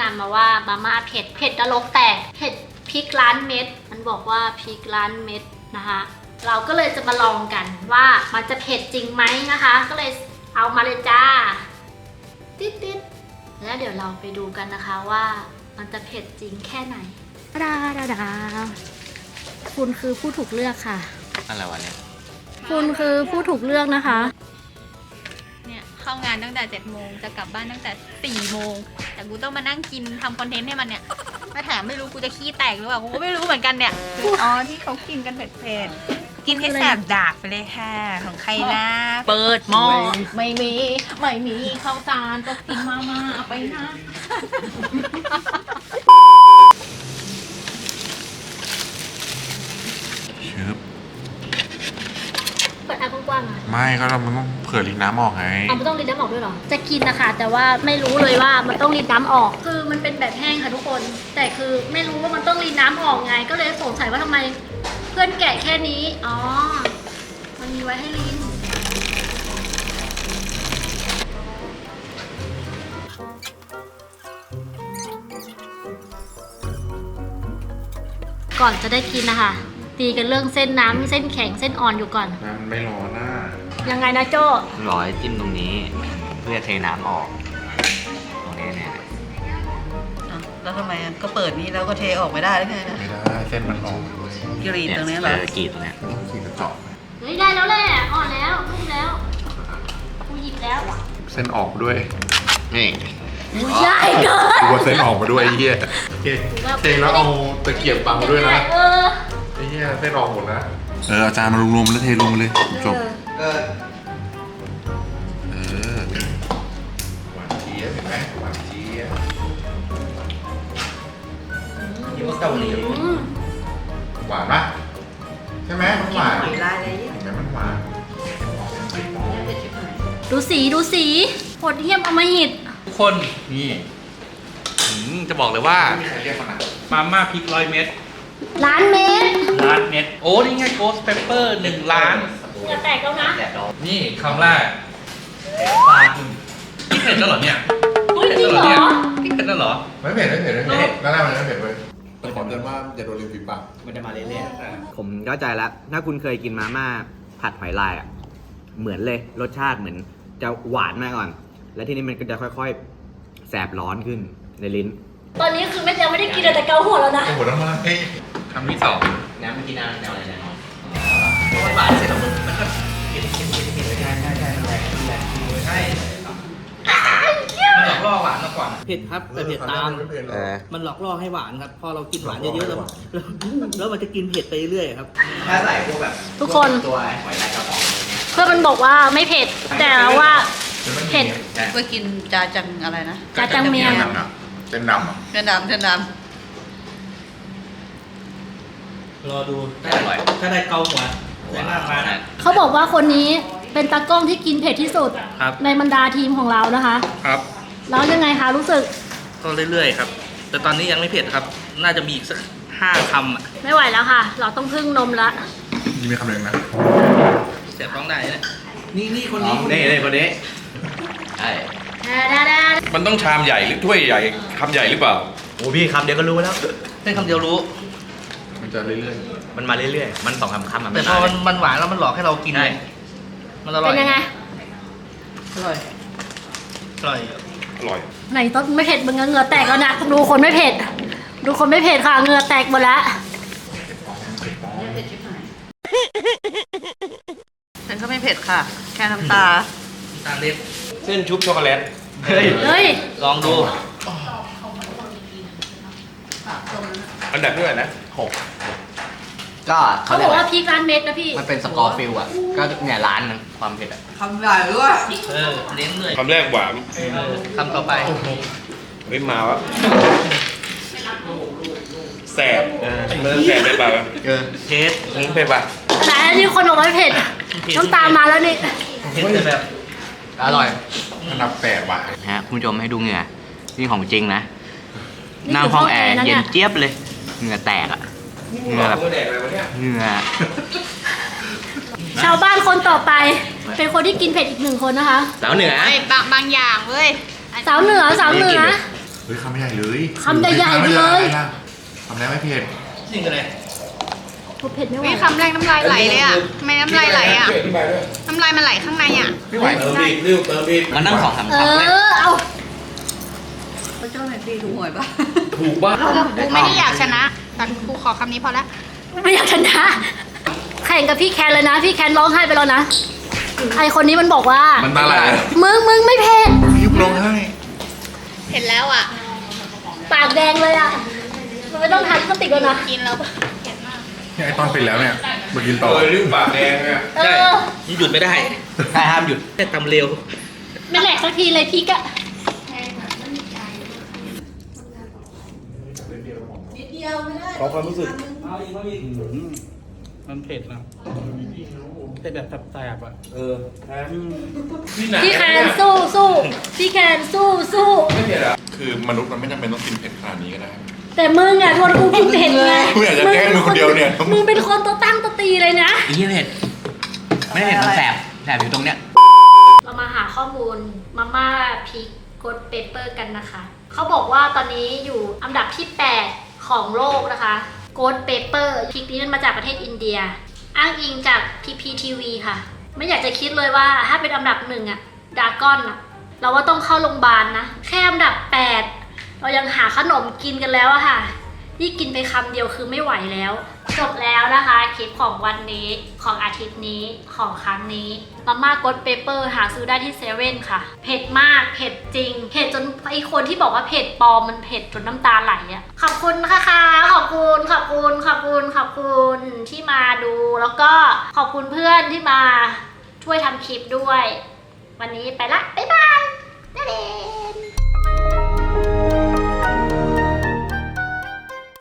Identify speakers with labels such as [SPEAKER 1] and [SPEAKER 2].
[SPEAKER 1] ำมาว่ามาม่าเผ็ดนรกแตกเผ็ดพริกล้านเม็ดมันบอกว่าพริกล้านเม็ดนะคะเราก็เลยจะมาลองกันว่ามันจะเผ็ดจริงไหมนะคะก็เลยเอามาเลยจ้าติดแล้วเดี๋ยวเราไปดูกันนะคะว่ามันจะเผ็ดจริงแค่ไหนดาคุณคือผู้ถูกเลือกค่ะ
[SPEAKER 2] อะไรวะเนี่ย
[SPEAKER 1] คุณคือผู้ถูกเลือกนะคะ
[SPEAKER 3] เนี่ยเข้างานตั้งแต่7 โมงจะกลับบ้านตั้งแต่4 โมงแต่กูต้องมานั่งกินทำคอนเทนต์ให้มันเนี่ยมาถามไม่รู้กูจะขี้แตกหรือเปล่ากูก็ไม่รู้เหมือนกันเนี่ยอ๋อที่เขากินกันเผ็ดๆกินให้แสบดากไปเลยค่ะของใครนะเปิดหม้อไม่มีข้าวสารก็กินมาเอาไปนะ
[SPEAKER 1] เปิดแอร์กว้างๆอ่ะ
[SPEAKER 2] ไม่ก็มันต้องเผื่อลิงน้ำออกไง
[SPEAKER 1] มันต้องรีดน้ำออกด้วยเหรอจะกินนะคะแต่ว่าไม่รู้เลยว่ามันต้องรีดน้ำออกคือมันเป็นแบบแห้งค่ะทุกคนแต่คือไม่รู้ว่ามันต้องรีดน้ำออกไงก็เลยสงสัยว่าทำไมเพื่อนแกะแค่นี้อ๋อมันมีไว้ให้ลิ้นก่อนจะได้กินนะคะตีกันเรื่องเส้นน้ำเส้นแข็งเส้นอ่อนอยู่ก่อน
[SPEAKER 2] น้ำไม่ร้อนนะ
[SPEAKER 1] ยังไงนะโจ้
[SPEAKER 4] ร้อยจิ้มตรงนี้เพื่อเทน้ำออกตรงนี้เนี่ย
[SPEAKER 5] แล้วทำไมก็เปิดนี้แล้วก็เทออกไม่ได้หรือไงนะ
[SPEAKER 2] ไม่ได้เส้นมันออก
[SPEAKER 5] กรีดตรงนี้เหรอก
[SPEAKER 4] รีดตรงนี้
[SPEAKER 2] ขีดกระเจาะ
[SPEAKER 1] เฮ้ยได้แล้วแหละอ่อนแล้วนุ่มแล้วกูหยิบแล้ว
[SPEAKER 2] เส้นออกด้วย
[SPEAKER 4] นี่
[SPEAKER 1] ใหญ่เกิน
[SPEAKER 2] ตัวเส้นออกมาด้วยไอ้เหี้ยเทแล้วเอาตะเกียบบังด้วยนะไอ้เหี้ยเส้นออกหมดนะอาจารย์มารวมๆแล้วเทลงมาเลยจบหวานเจี๊ยบเห็นไหมหวานเจี๊ยบ
[SPEAKER 5] นี่ว่าเกาหลี
[SPEAKER 2] หวานปะใช่ไหมมันหวาน
[SPEAKER 5] เห็น
[SPEAKER 2] ไหมมันหวาน
[SPEAKER 1] ดูสีโหดเหี้ยมอำมหิต
[SPEAKER 6] ทุกคนนี่จะบอกเลยว่ามาม่าพริก100 เม็ด
[SPEAKER 1] ล้านเม็ด
[SPEAKER 6] โอ้นี่ไงโกสเปเปอร์1 ล้าน
[SPEAKER 1] อย่าแตกแล้วนะ
[SPEAKER 6] นี่คำแรกปลาพี่เผ็ดแล้วเหรอเนี่ย
[SPEAKER 1] จริงเหรอ
[SPEAKER 6] พี่เผ็ดแล้วเหรอ
[SPEAKER 2] ไม่เผ็ดนั่นแรกมันไม่เผ็ดเลยแต่ขอเตือนว่าอย่าโดนริมฝีปาก
[SPEAKER 4] มันจะมาเรื่อยๆผมเข้าใจแล้วถ้าคุณเคยกินมาม่าผัดหอยลายอ่ะเหมือนเลยรสชาติเหมือนจะหวานมาก่อนแล้วทีนี้มันก็จะค่อยๆแสบร้อนขึ้นในลิ้น
[SPEAKER 1] ตอนนี้คือไม่ยังไม่ได้กินแต่เกาหัวแล้วนะ
[SPEAKER 2] โอ้โหแล้วมา
[SPEAKER 6] คำที่2
[SPEAKER 4] น้ำเมื่อกี้น้ำอะไรนะ
[SPEAKER 5] หวานเสร็จแล้วมันก็
[SPEAKER 6] ใช่มันหลอกล่อหวานมาก่อน
[SPEAKER 7] เผ็ดครับแต่เผ็ดตามมันหลอกล่อให้หวานครับพอเรากินหวานเยอะๆแล้วมันจะกินเผ็ดไปเรื่อยๆครับ
[SPEAKER 4] ถ้าใส่พวกแบบ
[SPEAKER 1] ทุกคน
[SPEAKER 4] ตัวหอยลายกระป๋อง
[SPEAKER 1] เพื่อนมันบอกว่าไม่เผ็ดแต่ว่าเผ็ด
[SPEAKER 5] เพื่อกินจาจังอะไรนะ
[SPEAKER 1] จาจังเมียง
[SPEAKER 2] เส้นดำ
[SPEAKER 5] เส้นดำ
[SPEAKER 7] รอดูถ้าได้เกาหัวแต่หน้ามา
[SPEAKER 1] เขาบอกว่าคนนี้เป็นตากล้องที่กินเผ็ดที่สุดในบรรดาทีมของเรานะคะ
[SPEAKER 6] ครับ
[SPEAKER 1] แล้วยังไงคะรู้สึก
[SPEAKER 6] ก็เรื่อยๆครับแต่ตอนนี้ยังไม่เผ็ดครับน่าจะมีอีกสัก5 คำอ่ะ
[SPEAKER 1] ไม่ไหวแล้วค่ะเราต้องพึ่งนมละ
[SPEAKER 2] นี่มีคำหนึ่งนะ
[SPEAKER 6] เสียบท้องได้เนี่ย
[SPEAKER 7] นี่คนนี้
[SPEAKER 4] คนนี้ใช่
[SPEAKER 6] มันต้องชามใหญ่หรือถ้วยใหญ่คำใหญ่หรือเปล่า
[SPEAKER 4] โอ้พี่คำเดียวก็รู้แล้ว
[SPEAKER 6] แค่คำเดียวรู้
[SPEAKER 2] มันจะเรื่อย
[SPEAKER 4] ๆมันมาเรื่อยๆมัน2 คำ
[SPEAKER 6] แต่พอมันหวานแล้วมันหลอกให้เรากินไงมันอร่อย
[SPEAKER 1] เป็นยังไง
[SPEAKER 5] อร่อย
[SPEAKER 1] ไหนต้นไม่เผ็ดมึงเหงื่อแตกแล้วนะดูคนไม่เผ็ดค่ะเหงื่อแตกหมดแล้ว
[SPEAKER 5] ฉันก็ไม่เผ็ดค่ะแค่น้ำตา
[SPEAKER 6] เล็กเส้นชุบช็อกโกแลต
[SPEAKER 1] เฮ้ย
[SPEAKER 6] ลองดูอันดับที่เท่าไหร่นะ6
[SPEAKER 4] ก็
[SPEAKER 1] เขาบอกว่าพริกล้านเม็ดนะพี่
[SPEAKER 4] มันเป็นสกอร์ฟิลอ่ะก็เนี่ยล้านนึงความเผ็ดอ่ะ
[SPEAKER 5] คำใหญ่ด้วย
[SPEAKER 6] เลี้ยงเลยคำแรกหวาน
[SPEAKER 5] คำต่อไป
[SPEAKER 6] ไม่มาวะแสบแสบไปป่ะเผ็ดไปป่ะ
[SPEAKER 1] ไหนนี่คนบอกว่าเผ็ดน้ำตามาแล้วนี่
[SPEAKER 6] เผ็ดแต่แบบ
[SPEAKER 4] อร่อย
[SPEAKER 2] อันดับ8 ว่ะ
[SPEAKER 4] ฮะคุณผู้ชมให้ดูเหงื่อนี่ของจริงนะนั่งห้องแอร์เย็นเจี๊ยบเลยเหงื่อแตกอ่ะเหงื่อแบบเหงื่อ
[SPEAKER 1] ชาวบ้านคนต่อไปเป็นคนที่กินเผ็ดอีก1 คนนะคะ
[SPEAKER 4] สาวเหนือบ
[SPEAKER 3] างอย่างเว้ย
[SPEAKER 1] สาวเหนือ
[SPEAKER 2] ฮ้ยคำใหญ่เลย
[SPEAKER 1] คำใหญ่ๆเลย
[SPEAKER 2] คำแรกไม่เผ็ด
[SPEAKER 7] นี่คืออะไร
[SPEAKER 1] เผ็ดไม่ไหว
[SPEAKER 3] วิคำแรกน้ำลายไหลเลยอ่ะทำไมน้ำลายไหลอ่ะ น้ำลายมันไหลข้างในอ่ะ
[SPEAKER 2] ไม่ไหว
[SPEAKER 7] เติมอีกริ้วเติมอีก
[SPEAKER 4] มานั่ง2-3
[SPEAKER 1] เอ
[SPEAKER 4] คำเลย
[SPEAKER 1] อเอา
[SPEAKER 5] พระเจ้าหน่อยสิถูกหวยปะ
[SPEAKER 7] ถูกบ้า
[SPEAKER 3] กูไม่ได้อยากชนะแต่กูขอคำนี้พอละ
[SPEAKER 1] ไม่อยากชนะแข่งกับพี่แคนเลยนะ พี่แคนร้องไห้ไปแล้วนะไอคนนี้มันบอกว่า
[SPEAKER 2] มันตาไหล
[SPEAKER 1] มึงไม่เผ็ด
[SPEAKER 2] ยุบร้องไห้
[SPEAKER 3] เห็นแล้วอ่ะ
[SPEAKER 1] ปากแดงเลยอ่ะมันไม่ต้องทานพลาสติกแล้วนะ
[SPEAKER 3] กินแล้ว
[SPEAKER 2] เนี่ยไอตอนปิดแล้วเนี่ยมากินต่อ
[SPEAKER 7] ริ้วปากแดงเนี่ย
[SPEAKER 1] เออ
[SPEAKER 7] หยุดไม่ได้
[SPEAKER 4] ใช่ห้ามหยุด
[SPEAKER 7] แต่ตำเร็ว
[SPEAKER 1] ไม่แหลกสักทีเลยพี่กะ
[SPEAKER 7] ขอความรู้สึก
[SPEAKER 6] มันเผ็ดนะเผ็ดแบบแสบๆอ่ะ
[SPEAKER 1] พี่แคนสู้สู้พี่แคนสู้สู้
[SPEAKER 2] คือมนุษย์มันไม่จำเป็นต้องกินเผ็ดขนาดนี้ก็ได้
[SPEAKER 1] แต่มึงอ่ะทนกูกินเผ็ดไง
[SPEAKER 2] กูอยากจะแกล้งมึงคนเดียวเนี่ย
[SPEAKER 1] มึงเป็นคนตัวตั้งตัวตีเลยนะ
[SPEAKER 4] ไอ้เหี้ยเผ็ด ไม่เผ็ดมันแสบอยู่ตรงเนี้ย
[SPEAKER 1] เรามาหาข้อมูลมาม่าพริกกดเปเปอร์กันนะคะ เขาบอกว่าตอนนี้อยู่อันดับที่ 8 ของโลกนะคะโกดเปเปอร์พริกนี้มันมาจากประเทศอินเดีย อ้างอิงจาก PPTV ค่ะ ไม่อยากจะคิดเลยว่าถ้าเป็นอันดับ1อะดากอนอะเราว่าต้องเข้าโรงพยาบาลนะ แค่อันดับ 8 เรายังหาขนมกินกันแล้วอะค่ะนี่กินไปคำเดียวคือไม่ไหวแล้ว จบแล้วนะคะคลิปของวันนี้ของอาทิตย์นี้ของครั้งนี้มาม่ากดเปเปอร์หาซื้อได้ที่เซเว่นค่ะ เผ็ดมากเผ็ดจริง เผ็ดจนไอคนที่บอกว่าเผ็ดปลอมมันเผ็ดจนน้ำตาไหลอะขอบคุณค่ะขอบคุณที่มาดูแล้วก็ขอบคุณเพื่อนที่มาช่วยทำคลิปด้วย วันนี้ไปละบ๊ายบาย